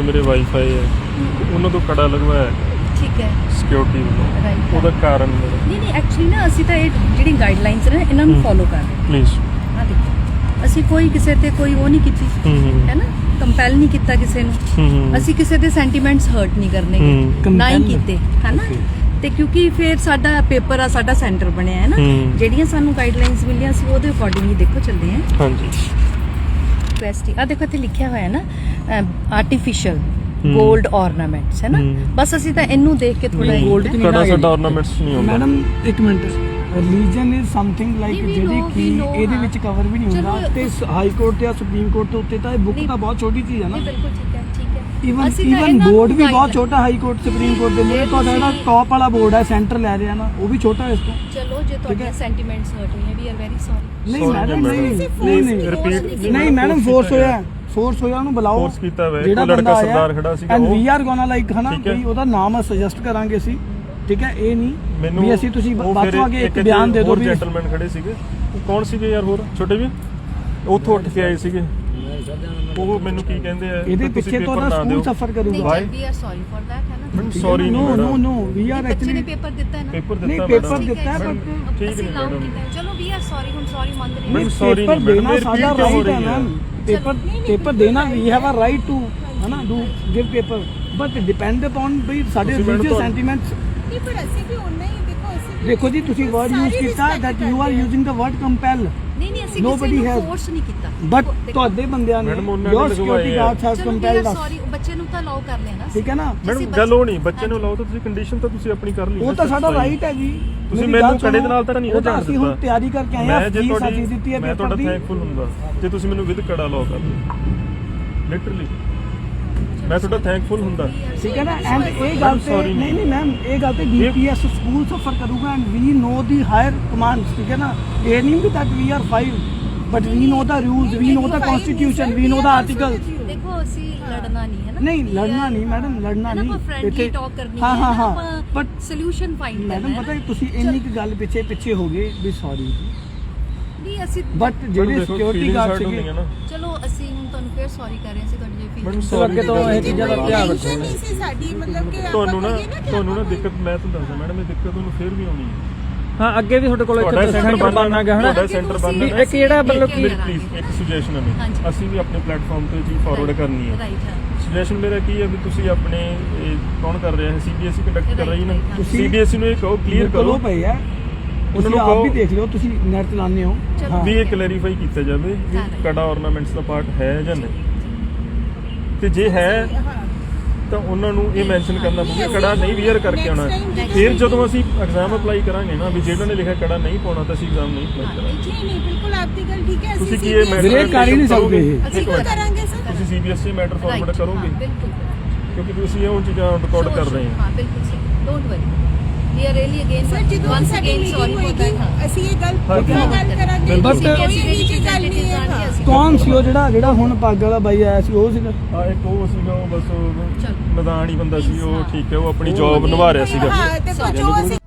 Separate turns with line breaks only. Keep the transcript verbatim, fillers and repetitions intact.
ਜਦੋਂ ਮੇਰੇ ਵਾਈਫਾਈ ਹੈ ਉਹਨਾਂ ਤੋਂ ਕੜਾ ਲਗਵਾਇਆ
ਠੀਕ ਹੈ
ਸਿਕਿਉਰਿਟੀ ਵੱਲੋਂ
ਰਾਈਟ
ਉਹਦਾ ਕਾਰਨ
ਨਹੀਂ ਨਹੀਂ ਐਕਚੁਅਲੀ ਨਾ ਅਸੀਂ ਤਾਂ ਇਹ ਜਿਹੜੀ ਗਾਈਡਲਾਈਨਸ ਨੇ ਇਹਨਾਂ ਨੂੰ ਫੋਲੋ ਕਰ ਰਹੇ
ਪਲੀਜ਼
ਹਾਂ। ਦੇਖੋ ਅਸੀਂ ਕੋਈ ਕਿਸੇ ਤੇ ਕੋਈ ਉਹ ਨਹੀਂ ਕੀਤੀ ਹੈ ਨਾ, ਕੰਪੈਲ ਨਹੀਂ ਕੀਤਾ ਕਿਸੇ ਨੂੰ, ਅਸੀਂ ਕਿਸੇ ਦੇ ਸੈਂਟੀਮੈਂਟਸ ਹਰਟ ਨਹੀਂ ਕਰਨੇ ਨਾ ਹੀ ਕੀਤੇ ਹੈ ਨਾ। ਤੇ ਕਿਉਂਕਿ ਫਿਰ ਸਾਡਾ ਪੇਪਰ ਆ, ਸਾਡਾ ਸੈਂਟਰ ਬਣਿਆ ਹੈ ਨਾ, ਜਿਹੜੀਆਂ ਸਾਨੂੰ ਗਾਈਡਲਾਈਨਸ ਮਿਲੀਆਂ ਸੀ ਉਹਦੇ ਅਕੋਰਡਿੰਗ ਹੀ ਦੇਖੋ ਚੱਲਦੇ ਹਾਂ।
ਹਾਂਜੀ
ਰਿਕੁਐਸਟ ਆ ਦੇਖੋ ਇੱਥੇ ਲਿਖਿਆ ਹੋਇਆ ਨਾ ਆਰਟੀਫੀਸ਼ੀਅਲ ਗੋਲਡ ornaments ਹੈ ਨਾ, ਬਸ ਅਸੀਂ ਤਾਂ ਇਹਨੂੰ ਦੇਖ ਕੇ ਥੋੜਾ
ਗੋਲਡ ਚ
ਕੜਾ ਸਾਡਾ ornaments ਨਹੀਂ ਹੁੰਦਾ
ਮੈਡਮ ਇੱਕ minute religion is something like ਜਿਹੜੀ ਕਿ ਇਹਦੇ ਵਿੱਚ ਕਵਰ ਵੀ ਨਹੀਂ ਹੁੰਦਾ ਤੇ ਹਾਈ ਕੋਰਟ ਤੇ ਸੁਪਰੀਮ ਕੋਰਟ ਦੇ ਉੱਤੇ ਤਾਂ ਇਹ ਬੁੱਕ ਤਾਂ ਬਹੁਤ ਛੋਟੀ ਚੀਜ਼ ਹੈ ਨਾ।
ਬਿਲਕੁਲ ਠੀਕ ਹੈ ਠੀਕ ਹੈ
ਈਵਨ ਈਵਨ ਬੋਰਡ ਵੀ ਬਹੁਤ ਛੋਟਾ ਹਾਈ ਕੋਰਟ ਸੁਪਰੀਮ ਕੋਰਟ ਦੇ ਲਈ ਤੁਹਾਡਾ ਜਿਹੜਾ ਟੌਪ ਵਾਲਾ ਬੋਰਡ ਹੈ ਸੈਂਟਰ ਲੈ ਰਿਹਾ ਨਾ ਉਹ ਵੀ ਛੋਟਾ ਇਸ ਤੋਂ।
ਚਲੋ ਜੇ ਤੁਹਾਡੇ ਸੈਂਟੀਮੈਂਟਸ ਹਰਟ ਹੋਏ ਵੀ ਆਰ ਵੈਰੀ ਸੌਰੀ।
ਨਹੀਂ ਮੈਡਮ ਨਹੀਂ ਨਹੀਂ
ਰਿਪੀਟ
ਨਹੀਂ ਮੈਡਮ ਫੋਰਸ ਹੋਇਆ ਫੋਰਸ ਹੋਇਆ ਉਹਨੂੰ ਬੁਲਾਓ
ਫੋਰਸ ਕੀਤਾ ਹੋਇਆ ਇੱਕ ਲੜਕਾ ਸਰਦਾਰ ਖੜਾ ਸੀਗਾ
and we are gonna like ਹਨਾ ਵੀ ਉਹਦਾ ਨਾਮ ਸੁਜੈਸਟ ਕਰਾਂਗੇ ਅਸੀਂ ਠੀਕ ਹੈ। ਇਹ ਨਹੀਂ ਵੀ ਅਸੀਂ ਤੁਸੀਂ ਬਾਅਦ ਚੋਂ ਆਗੇ ਇੱਕ ਬਿਆਨ ਦੇ ਦਿਓ ਵੀ
ਜੈਂਟਲਮੈਨ ਖੜੇ ਸੀਗੇ ਉਹ ਕੌਣ ਸੀਗੇ ਯਾਰ ਹੋਰ ਛੋਟੇ ਵੀ ਉੱਥੋਂ ਉੱਠ ਕੇ ਆਏ ਸੀਗੇ ਉਹ ਮੈਨੂੰ ਕੀ ਕਹਿੰਦੇ ਆ
ਇਹਦੇ ਪਿੱਛੇ ਤੋਂ ਨਾ ਸਕੂਲ ਸਫਰ ਕਰੂਗਾ।
We are sorry for that ਹੈ ਨਾ।
Sorry
no no no we are
ਬੱਚੇ
ਐਕਚੁਅਲੀ
ਨੇ ਪੇਪਰ ਦਿੱਤਾ ਹੈ ਨਾ,
ਪੇਪਰ
ਨਹੀਂ
ਦਿੱਤਾ
ਪੇਪਰ ਦਿੱਤਾ ਹੈ ਬਟ
ਠੀਕ ਨਹੀਂ ਮੈਡਮ
ਚਲੋ ਵੀ ਆਰ ਸੌਰੀ ਹੁਣ ਸੌਰੀ ਮੰਨ ਰਹੇ
ਮੈਡਮ ਸੌਰੀ
ਪੇਪਰ
ਨਹੀਂ
ਦੇਣਾ
ਮੈਡਮ
ਸਾਡਾ ਰਾਈਟ ਹੈ ਮੈਮ ਪੇਪਰ ਪੇਪਰ ਦੇਣਾ we have a right to ਹਨਾ do give paper but depend upon ਵੀ ਸਾਡੇ ਰਿਲੀਜੀਅਸ ਸੈਂਟੀਮੈਂਟਸ।
ਨਹੀਂ ਪਰ ਅਸੀਂ ਵੀ ਉਨਾ ਹੀ ਦੇਖੋ ਅਸੀਂ
ਦੇਖੋ ਜੀ ਤੁਸੀਂ ਵਰਡ ਯੂਜ਼ ਕੀਤਾ that you are using the word compel
ਨਹੀਂ ਨਹੀਂ ਅਸੀਂ
Nobody
ਕਿਸੇ ਨੂੰ
has-
ਫੋਰਸ ਨਹੀਂ ਕੀਤਾ
ਬਟ ਤੁਹਾਡੇ ਬੰਦਿਆਂ ਨੇ
ਮੈਡਮ ਉਹਨਾਂ
ਯੋਰ
ਨੇ
security guards have compelled us
sorry ਬੱਚੇ ਨੂੰ ਤਾਂ ਅਲਾਉ ਕਰ ਲੈਣਾ
ਠੀਕ ਹੈ ਨਾ।
ਮੈਡਮ ਗੱਲ ਉਹ ਨਹੀਂ ਬੱਚੇ ਨੂੰ ਲਾਓ ਤਾਂ ਤੁਸੀਂ ਕੰਡੀਸ਼ਨ ਤਾਂ ਤੁਸੀਂ ਆਪਣੀ ਕਰ ਲਈ
ਉਹ ਤਾਂ ਸਾਡਾ ਰਾਈਟ ਹੈ ਜੀ
ਤੁਸੀਂ
ਮੇਰੀ
ਮੈਨੂੰ
ਗੱਲ
ਕੜੇ ਦੇ
ਸੁਣੋ,
ਨਾਲ ਤਾਂ ਨਹੀਂ
ਉਹ ਤਾਂ ਅਸੀਂ ਹੁਣ
ਦਿੱਤਾ।
ਤਿਆਰੀ ਕਰਕੇ ਆਏ
ਮੈਂ
ਹਾਂ
ਜੇ
ਫੀਸ
ਤੁਹਾਡੀ
ਅਸੀਂ ਦਿੱਤੀ ਹੈ
ਮੈਂ
ਪੇਪਰ
ਤੁਹਾਡਾ
ਦੀ
ਥੈਂਕਫੁਲ ਹੁੰਦਾ ਜੇ ਤੁਸੀਂ ਮੈਨੂੰ ਵਿਦ ਕੜਾ ਲਾਓ ਕਰ ਲਿਟਰਲੀ ਮੈਂ ਤੁਹਾਡਾ ਥੈਂਕਫੁਲ ਹੁੰਦਾ
ਠੀਕ ਹੈ ਨਾ। ਐਂਡ ਇਹ ਗੱਲ ਤੇ
sorry
ਨਹੀਂ ਨਹੀਂ ਮੈਮ ਇਹ ਗੱਲ ਤੇ ਡੀਪੀਐਸ ਸਕੂਲ ਸਫਰ ਕਰੂਗਾ and we know the higher commands ਠੀਕ ਹੈ ਨਾ। ਇਹ ਨਹੀਂ we that we are five but we know the rules we know the constitution we know the article.
ਦੇਖੋ ਅਸੀਂ ਲੜਨਾ ਨਹੀਂ ਹੈ ਨਾ,
ਨਹੀਂ ਲੜਨਾ ਨਹੀਂ ਮੈਡਮ ਲੜਨਾ ਨਹੀਂ
ਫ੍ਰੈਂਡਲੀ ਟਾਕ ਕਰਨੀ
ਹਾਂ ਹਾਂ ਹਾਂ
ਬਟ
ਬਟ
ਸੋਲੂਸ਼ਨ ਫਾਈਂਡ ਕਰਨਾ
ਮੈਡਮ
ਹੈ
ਪਤਾ ਤੁਸੀਂ ਇੰਨੀ ਕੁ ਗੱਲ ਪਿੱਛੇ ਪਿੱਛੇ ਹੋ ਗਏ ਵੀ ਸੌਰੀ
ਨਹੀਂ ਅਸੀਂ
ਬਟ ਜਿਹੜੇ ਸਿਕਿਉਰਿਟੀ ਗਾਰਡ ਸੀਗੇ
ਚਲੋ ਅਸੀਂ ਹੁਣ ਤੁਹਾਨੂੰ ਫੇਰ ਸੌਰੀ ਕਰ ਰਹੇ ਸੀ ਤੁਹਾਡੀ ਜੇ
ਮੈਡਮ
ਫੀਲਿੰਗ
ਸੌਰੀ
ਅੱਗੇ ਤੋਂ ਇਹ ਚੀਜ਼ਾਂ ਦਾ ਧਿਆਨ ਰੱਖੋ।
ਟੈਨਸ਼ਨ ਨਹੀਂ ਸੀ ਸਾਡੀ ਮਤਲਬ ਕਿ ਆਪਾਂ
ਤੁਹਾਨੂੰ ਨਾ
ਕਹੀਏ ਕਿ
ਤੁਹਾਨੂੰ ਨਾ
ਆਪਾਂ
ਦਿੱਕਤ ਮੈਂ ਤੁਹਾਨੂੰ ਦੱਸਦਾ ਮੈਡਮ ਇਹ ਦਿੱਕਤ ਤੁਹਾਨੂੰ ਫੇਰ ਵੀ ਆਉਣੀ ਹੈ।
ਹਾਂ ਅੱਗੇ ਵੀ ਤੁਹਾਡੇ ਕੋਲ
ਤੁਹਾਡਾ ਸੈਂਟਰ ਬਣਨਾ ਗਿਆ ਹਨਾ
ਤੁਹਾਡਾ
ਸੈਂਟਰ
ਤੁਸੀਂ
ਬਣਨਾ
ਇੱਕ ਜਿਹੜਾ ਮਤਲਬ
ਕਿ
ਪਲੀਜ਼ ਇੱਕ ਸੁਜੈਸ਼ਨ ਹੈ ਮੇਰੀ
ਹਾਂਜੀ।
ਅਸੀਂ ਵੀ ਆਪਣੇ ਪਲੇਟਫਾਰਮ ਤੇ ਜੀ ਫਾਰਵਰਡ ਕਰਨੀ ਹੈ
ਰਾਈਟ ਹਾਂ
ਸੁਜੈਸ਼ਨ ਮੇਰਾ ਕੀ ਹੈ ਵੀ ਤੁਸੀਂ ਆਪਣੇ ਇਹ ਕੌਣ ਕਰ ਰਿਹਾ ਹੈ ਸੀਬੀਐਸਈ ਕੰਡਕਟ ਕਰ ਰਹੀ ਹੈ ਨਾ
ਤੁਸੀਂ-
ਸੀਬੀਐਸਈ ਨੂੰ ਇਹ ਕਹੋ ਕਲੀਅਰ ਕਰੋ
ਪਈ ਹੈ
ਉਹਨਾਂ ਨੂੰ
ਆਪ
ਕਹੋ
ਵੀ ਦੇਖ ਲਿਓ ਤੁਸੀਂ ਨੈਟ ਚਲਾਉਂਦੇ ਹੋ
ਚਲੋ।
ਵੀ ਇਹ ਕਲੈਰੀਫਾਈ ਕੀਤਾ ਜਾਵੇ ਵੀ ਕੜਾ ornaments ਦਾ ਪਾਰਟ ਹੈ ਜਾਂ ਨਹੀਂ ਤੇ ਜੇ ਹੈ ਤਾਂ ਉਹਨਾਂ ਨੂੰ ਇਹ ਮੈਂਸ਼ਨ ਕਰਨਾ ਪਊਗਾ ਕੜਾ ਨਹੀਂ ਵੀਅਰ ਕਰਕੇ ਆਉਣਾ ਫਿਰ ਜਦੋਂ ਅਸੀਂ ਐਗਜ਼ਾਮ ਅਪਲਾਈ ਕਰਾਂਗੇ ਨਾ ਵੀ ਜਿਹੜਾ ਨੇ ਲਿਖਿਆ ਕੜਾ ਨਹੀਂ ਪਾਉਣਾ ਤਾਂ ਅਸੀਂ ਐਗਜ਼ਾਮ ਨਹੀਂ ਅਪਲਾਈ ਕਰਾਂਗੇ
ਨਹੀਂ ਨਹੀਂ ਬਿਲਕੁਲ ਆਪਦੀ ਗੱਲ ਠੀਕ ਹੈ
ਤੁਸੀਂ
ਅਸੀਂ
ਕੀ ਇਹ
ਵੀਰੇ ਕਰ ਹੀ ਨਹੀਂ ਸਕਦੇ ਇਹ।
ਅਸੀਂ ਕਿਉਂ ਕਰਾਂਗੇ ਸਰ
ਤੁਸੀਂ ਸੀਬੀਐਸਈ ਮੈਟਰ ਫਾਰਵਰਡ ਕਰੋਗੇ
ਬਿਲਕੁਲ
ਕਿਉਂਕਿ ਤੁਸੀਂ ਇਹ ਚੀਜ਼ਾਂ ਰਿਕਾਰਡ ਕਰ ਰਹੇ ਹੋ
ਹਾਂ ਬਿਲਕੁਲ ਸਹੀ don't worry we are really again
sir ਜਦੋਂ
ਵਾਂਸ
ਸਾਡੀ
ਅਗੇਨ ਸੌਰੀ
ਮੀਟਿੰਗ
ਫॉर
ਹੋਏਗੀ
दैट
ਅਸੀਂ ਇਹ ਗੱਲ
ਹਾਂ,
ਪੱਕਾ ਗੱਲ ਕਰਾਂਗੇ
But-
ਕੋਈ ਇਹਦੀ ਕੀ ਗੱਲ ਨਹੀਂ ਹੈ
ਕੌਣ ਸੀ ਉਹ ਜਿਹੜਾ ਜਿਹੜਾ ਹੁਣ ਪੱਗ ਵਾਲਾ ਬਾਈ ਆਇਆ ਸੀ ਉਹ ਸੀਗਾ
ਆ ਇੱਕ ਉਹ ਸੀਗਾ ਉਹ ਬਸ ਉਹ
ਚਲੋ।
ਮੈਦਾਨ ਹੀ ਬੰਦਾ ਸੀ ਉਹ
ਹਾਂ।
ਠੀਕ ਹੈ ਉਹ ਆਪਣੀ ਜੌਬ ਨਿਭਾ ਰਿਹਾ ਸੀਗਾ
ਹਾਂ ਤੇ ਜੋ ਅਸੀਂ